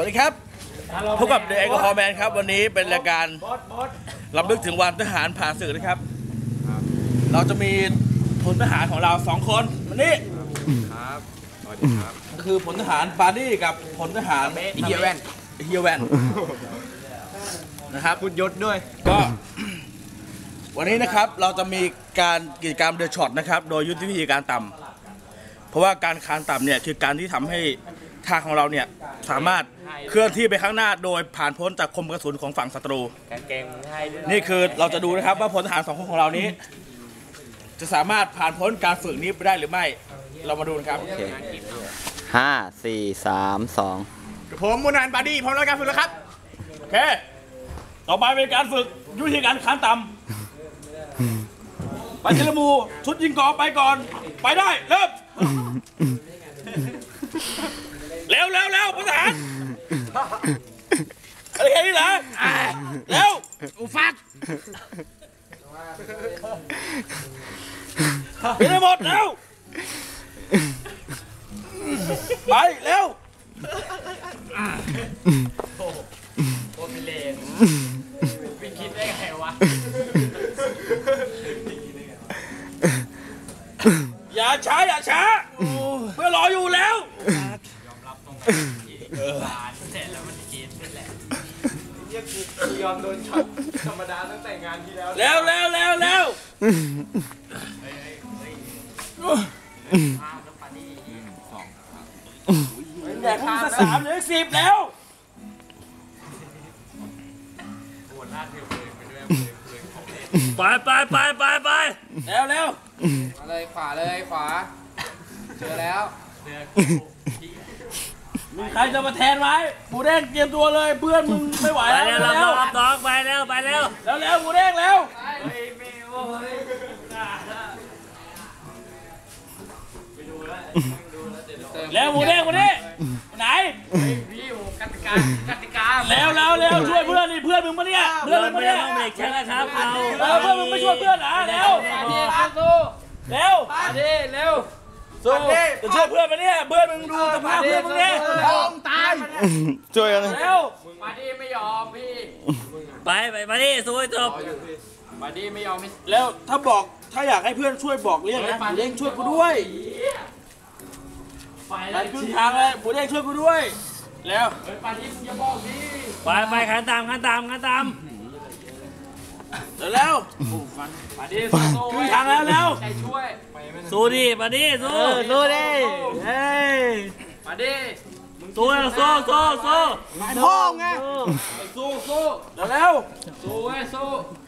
ดีครับพบกับเดอะแอลกอฮอล์แมนครับวันนี้เป็นรายการรำลึกถึงวันทหารผ่านศึกนะครับเราจะมีพลทหารของเรา2 คนวันนี้ครับสวัสดีครับก็คือพลทหารปาร์ดี้กับพลทหารเฮียแวนนะครับคุณยศด้วยก็วันนี้นะครับเราจะมีการกิจกรรมเดอะช็อตนะครับโดยยุทธวิธีการต่ำเพราะว่าการคานต่ำเนี่ยคือการที่ทำให้ทางของเราเนี่ยสามารถเคลื่อนที่ไปข้างหน้าโดยผ่านพ้นจากคมกระสุนของฝั่งศัตรูนี่คือเราจะดูนะครับว่าพลทหาร2 คนของเรานี้จะสามารถผ่านพ้นการฝึกนี้ไปได้หรือไม่เรามาดูกันครับ 5 4 3 2 ผมมูนานบาดี้พร้อมแล้วการฝึกแล้วครับโอเคต่อไปเป็นการฝึกยุทธการคานต่ำไปเจลมูชุดยิงกอไปก่อนไปได้เริ่มเร็วพลทหารอะไรแค่นี้เหรอเร็วอุฟักไปได้หมดเร็วไปเร็วโคตรเลนไม่คิดได้ไงวะอย่าช้าเพื่อรออยู่แล้วยอมรับตรงเสร็จแล้วมันเกมนี่แหละยอมโดนช็อตธรรมดาตั้งแต่งานที่แล้วแล้วแดกมึงจะ3 หรือ 10แล้วไปแล้วมาเลยขวาเลยขวาเจอแล้วมีใครจะมาแทนไหมหมูแดงเตรียมตัวเลยเพื่อนมึงไม่ไหวแล้วรับไปแล้วหมูแดงแล้วแล้วหมูแดงคนนี้ไหนพี่โอ้กติกาแล้วช่วยเพื่อนนี่เพื่อนมึงปะเนี่ยเพื่อนมึงปะเนี่ยเบรกแค่แล้วครับเพื่อนมึงไม่ช่วยเพื่อนนะแล้วสู้จะช่วยเพื่อนปะเนี่ยเพื่อนมึงดูสภาพเพื่อนมึงเนี่ยตายช่วยกันแล้วมาดีไม่ยอมพี่ไปมาดิสู้จบมาดีไม่ยอมแล้วถ้าอยากให้เพื่อนช่วยบอกเรียกนะหมูเด้งช่วยกูด้วยไปครึ่งทางเลยหมูเด้งช่วยกูด้วยแล้วปาดีมึงอย่าบอกดิไปขันตามแล้วปาดีครึ่งทางแล้วใจช่วยสู้ดิมาดิสู้ดิเฮ้ยมาดิสู้พ่อไงสู้แล้วสู้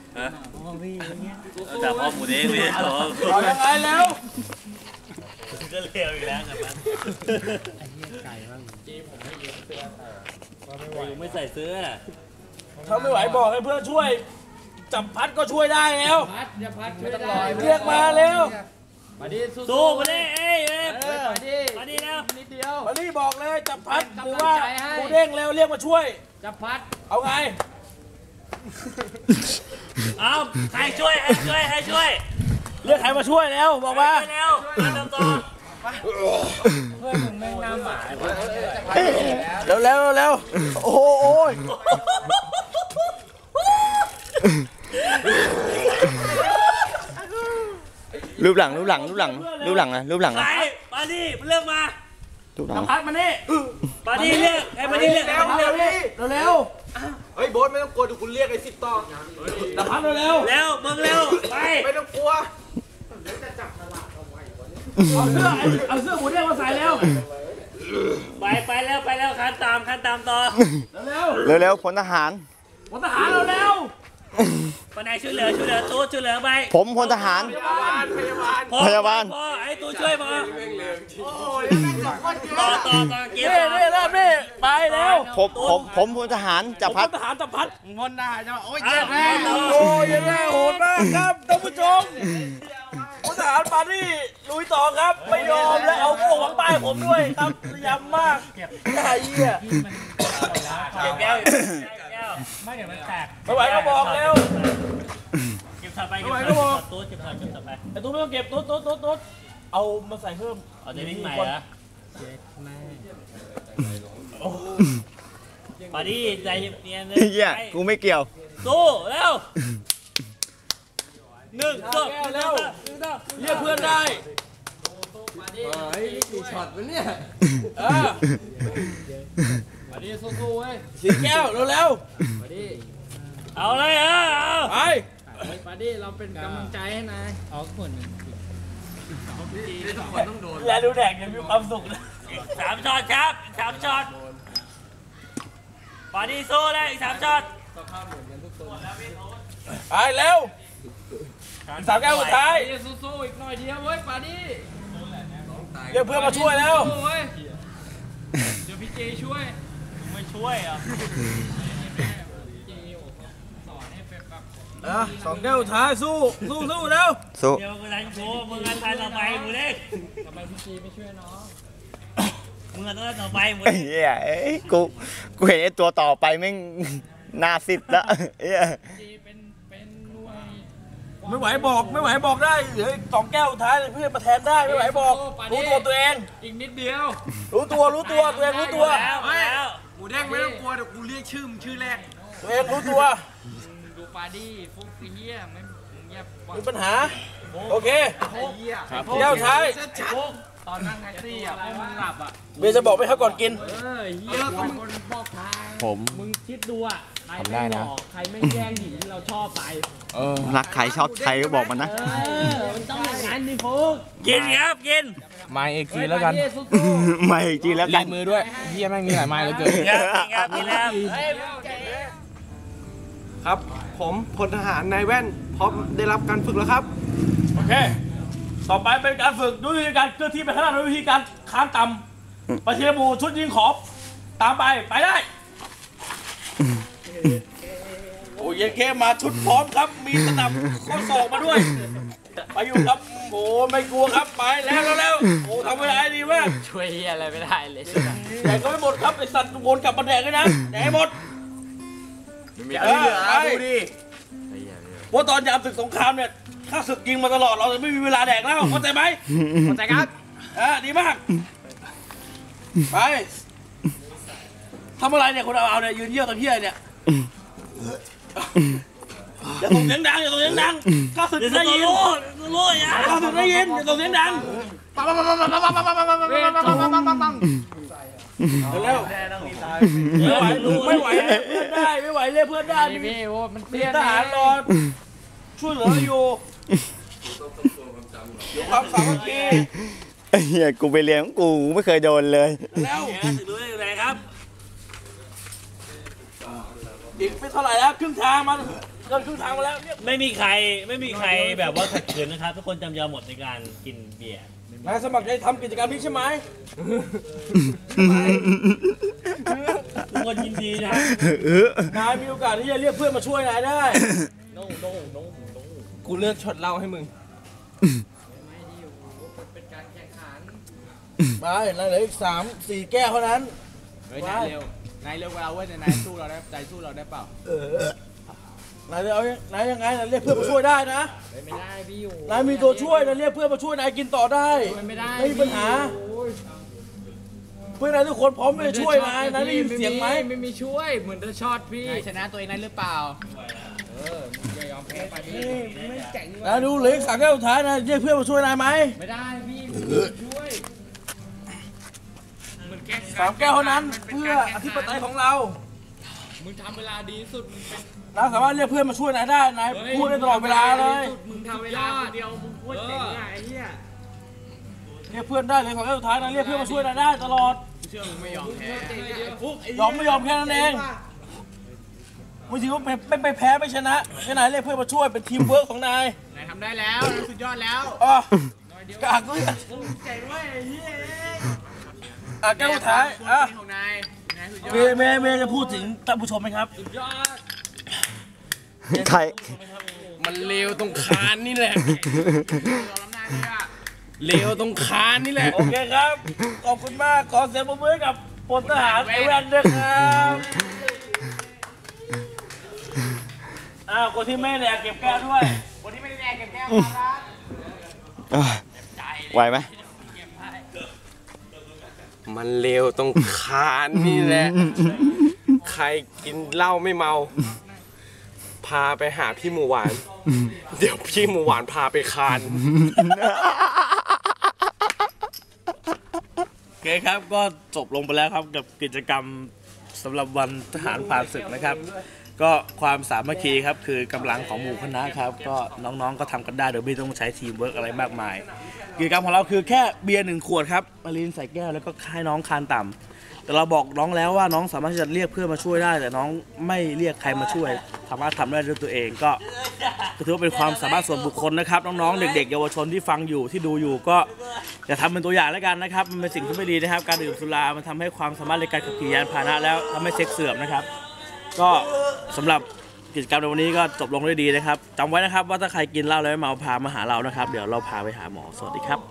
แต่พ่อหมูเด้งเนี่ยเอายังไงแล้วก็เร็วอีกแล้วครับไอ้เหี้ยไก่บ้างผมไม่ยืมเสื้อไม่ใส่เสื้อถ้าไม่ไหวบอกให้เพื่อนช่วยจับพัดก็ช่วยได้แล้วพัดช่วยได้เรียกมาเร็วมาดิสู้มาดิมาดิแล้วนิดเดียวมาดิบอกเลยจับพัดหรือว่ากูเด้งเร็วเรียกมาช่วยจับพัดเอาไงเอาใครช่วยเรียกใครมาช่วยแล้วบอกมาเร็วต่อเพื่อนมึงแม่งน้ำหมาแล้วโอ้ยรูปหลังนะไปมาดิเลือกมาพัดมานี่มาดิเรียกมาดิเรียกเร็วเฮ้ยโบ๊ทไม่ต้องกลัวดูคุณเรียกไอ้10 ต่อพัดเร็วมึงเร็วไปไม่ต้องกลัวเอาเสื้อหมูเด้งมาใส่แล้วไปแล้วคันตามต่อเร็วพลทหารเร็วปนายช่วยเหลือตู้ช่วยเหลือไปผมพลทหารพยาบาลพ่อไอ้ตู้ช่วยมาต่อเก็บนี่ไปแล้วผมพลทหารจับพัดพลทหารจับพัดพลทหารจะโอ้ยเจ็บแน่โหดมากครับท่านผู้ชมพลทหารปาดี้ลุยต่อครับไม่ยอมแล้วเอาพวกหวังตายผมด้วยครับยำมากไอ้เหี้ยแก้วไม่เดี๋ยวมันแตกไม่ไหวก็บอกแล้วเก็บถัดไปตู้เก็บถัดไปไอ้ตู้ไม่ต้องเก็บตู้เอามาใส่เพิ่มเอาจะวิ่งใหม่นะมาดิใจเย็นเลยเหี้ยกูไม่เกี่ยวสู้เร็วหนึ่งสองเร็วเรียกเพื่อนได้เฮ้ยนี่กี่ช็อตวะเนี่ยมาดิสู้ๆเว้ยสีแก้วเร็วมาดิเอาเลยเอาๆไปมาดิเราเป็นกำลังใจให้นายเอาคนหนึ่งทุกคนต้องโดนและดูแดกยังมีความสุขนะ3 ช็อตครับ3 ช็อตมาดิสู้เลยอีก3 ช็อตไปเร็วสามแก้วสุดท้ายสู้ๆอีกหน่อยเดียวเว้ยปาดิเรียกเพื่อนมาช่วยแล้วสู้เว้ยเดี๋ยวพี่เจช่วยไม่ช่วยอ่ะสองแก้วสุดท้ายสู้เร็วสู้เดี๋ยวกูรันโชว์มึงกันทันต่อไปมึงเล็กทำไมพี่เจไม่ช่วยน้องมึงกันต้องต่อไปมึงไอ้เหี้ยเอ้ยกูเห็นไอ้ตัวต่อไปแม่งหน้าซิดละเหี้ยเจเป็นหน่วยไม่ไหวบอกได้เหลืออีกสองแก้วสุดท้ายเพื่อนมาแทนได้ไม่ไหวบอกรู้ตัวเองอีกนิดเดียวรู้ตัวตัวเองรู้ตัวแล้วแล้วหมูแดงไม่ต้องกลัวเดี๋ยวกูเรียกชื่อมึงชื่อแรกตัวเองรู้ตัวดูปาดิฟุกไอ้เหี้ยไม่เงียบมีปัญหาโอเคไอ้เหี้ยแก้วสุดท้ายฟุกตอนนั่งแท็กซี่อ่ะพวกมึงหลับอ่ะเบียร์จะบอกไม่ให้ก่อนกินเหี้ยต้องคนบอกทางผมมึงคิดดูอ่ะใครทำได้ไม่หลนะอกใครไม่แย่งหญิงที่เราชอบไปรักใครชอบใครก็บอกมันนะมันต้องอย่างนั้นดิฟุกกินครับกินไม้เอกซีแล้วกันสู้ไม่จริงแล้วกัลาน ยมือด้วยเฮียแม่งมีหลายไม้เหลือเกินครับกินครับกินแล้วครับ ผมพลทหารนายแว่นพร้อมได้รับการฝึกแล้วครับโอเค ต่อไปเป็นการฝึกด้วยวิธีการเคลื่อนที่ไปข้างหน้าด้วยวิธีการค้างต่ำประเทียบูชุดยิงขอบตามไปได้โอ้ยเยเคมาชุดพร้อมครับมีสนับข้อศอกมาด้วยไปอยู่ครับโอ้ไม่กลัวครับไปแล้วโอ้ทำเวลาดีมากๆช่วยเหี้ยอะไรไม่ได้เลยแดกก็ไม่หมดครับไอสัตว์วนกลับมาแดกเลยนะแดกให้หมดไปดูดิเพราะตอนยามศึกสงครามเนี่ยข้าศึกยิงมาตลอดเราจะไม่มีเวลาแดกแล้วเข้าใจไหมเข้าใจครับดีมากไปทำอะไรเนี่ยคนเอาเนี่ยยืนเยี่ยวตะเพี้ยเนี่ยอย่าส่งเสียงดังข้าศึกเดี๋ยวได้จะยินรู้อย่าข้าศึกได้ยินอย่าส่งเสียงดังเร็วไม่ไหวเรียกเพื่อนได้ไม่ไหวเรียกเพื่อนได้พี่โอ้มันมีเตี้ยทหารรอช่วยเหลืออยู่ความสามัคคีไอ้เหี้ยกูไปเรียนของกูไม่เคยโดนเลยแล้วถึงรู้อยู่ไหนครับอีกไม่เท่าไหร่แล้วครึ่งทางมันเกินครึ่งทางมาแล้วเนี่ยไม่มีใครแบบว่าขัดขืนนะครับทุกคนจำยอมหมดในการกินเบียร์นายสมัครใจทำกิจกรรมนี้ใช่ไหมทุกคนยินดีนะนายมีโอกาสที่จะเรียกเพื่อนมาช่วยนายได้กูเลือกช็อตเหล้าให้มึงเป็นการแข่งขันไปนายเหลืออีก3-4 แก้วเท่านั้นเฮ้ยนายเร็วนายเร็วกว่าเราเว้ยแต่นายสู้เราได้ใจสู้เราได้เปล่านายจะเอานายยังไงนายเรียกเพื่อนมาช่วยได้นะไม่ได้พี่อยู่นายมีตัวช่วยนายเรียกเพื่อนมาช่วยนายกินต่อได้ไม่ได้ไม่มีปัญหา เพื่อนนายทุกคนพร้อมที่จะช่วยนายได้ยินเสียงไหมไม่มีช่วยเหมือนเดอะช็อตพี่ชนะตัวเองได้หรือเปล่าอย่ายอมแพ้ไปดิไม่เจ๋งนายดูเหลืออีก3 แก้วสุดท้ายนายเรียกเพื่อนมาช่วยนายไหมไม่ได้พี่ช่วยเหมือนแก้ 3 แก้วเท่านั้นเพื่ออธิปไตยของเรามึงทำเวลาดีสุดมึงเป็นนายสามารถเรียกเพื่อนมาช่วยนายได้นายพูดได้ตลอดเวลาเลยมึงทำเวลาเดียวมึงพูดเจ๋งอ่ะไอ้เหี้ยเรียกเพื่อนได้เลย2 แก้วสุดท้ายนายเรียกเพื่อนมาช่วยนายได้ตลอดเชื่อมึงไม่ยอมแพ้ฟุกยอมไม่ยอมแค่นั้นเองไม่ถือว่าเป็นไปแพ้ไม่ชนะแค่นายเรียกเพื่อนมาช่วยเป็นทีมเวิร์กของนายนายทำได้แล้วสุดยอดแล้วอ๋อกากด้วยเจ๋งเว้ยไอ้เหี้ยแก้วสุดท้ายอ่ะของนายสุดยอดเมย์จะพูดถึงท่านผู้ชมไหมครับสุดยอดใครมันเลวตรงคานนี่แหละยอมนายเลยอ่ะเลวตรงคานนี่แหละโอเคครับ ขอบคุณมาก ขอเสียงปรบมือให้กับพลทหารไอแวนด้วยครับคนที่ไม่แดกเก็บแก้วด้วยคนที่ไม่ได้แดงเก็บแก้วมาครับไหวไหมมันเลวตรงคานนี่แหละ คใครกินเหล้าไม่เมา พาไปหาพี่หมูหวาน เดี๋ยวพี่หมูหวานพาไปคานโอเคครับก็จบลงไปแล้วครับกับกิจกรรมสำหรับวันทหารผ่านศึกนะครับ ก็ความสามัคคีครับคือกำลังของหมู่คณะครับก็น้องๆก็ทำกันได้โดยไม่ต้องใช้ทีมเวิร์กอะไรมากมายกิจกรรมของเราคือแค่เบียร์1 ขวดครับมาลีนใส่แก้วแล้วก็ให้น้องคานต่ำแต่เราบอกน้องแล้วว่าน้องสามารถที่จะเรียกเพื่อนมาช่วยได้ แต่น้องไม่เรียกใครมาช่วยสามารถทำได้ด้วยตัวเองก็ถือว่าเป็นความสามารถส่วนบุคคลนะครับน้องๆเด็กๆเยาวชนที่ฟังอยู่ที่ดูอยู่ก็อย่าทำเป็นตัวอย่างแล้วกันนะครับมันเป็นสิ่งที่ไม่ดีนะครับการดื่มสุรามันทำให้ความสามารถในการขับขี่ยานพาหนะแล้วทำให้เซ็กเสื่อมนะครับก็สำหรับกิจกรรมในวันนี้ก็จบลงด้วยดีนะครับจำไว้นะครับว่าถ้าใครกินเหล้าแล้วไม่เมาพามาหาเรานะครับเดี๋ยวเราพาไปหาหมอสวัสดีครับ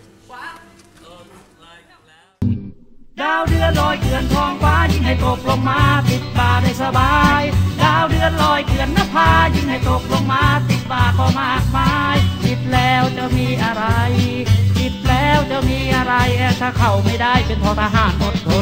ดาวเดือนลอยเกลื่อนท้องฟ้ายิ่งให้ตกลงมาติดบ่าได้สบายดาวเดือนลอยเกลื่อนนภายิ่งให้ตกลงมาติดบ่าก็มากมายติดแล้วจะมีอะไรติดแล้วจะมีอะไรถ้าเข้าไม่ได้เป็นทอทหารอดทน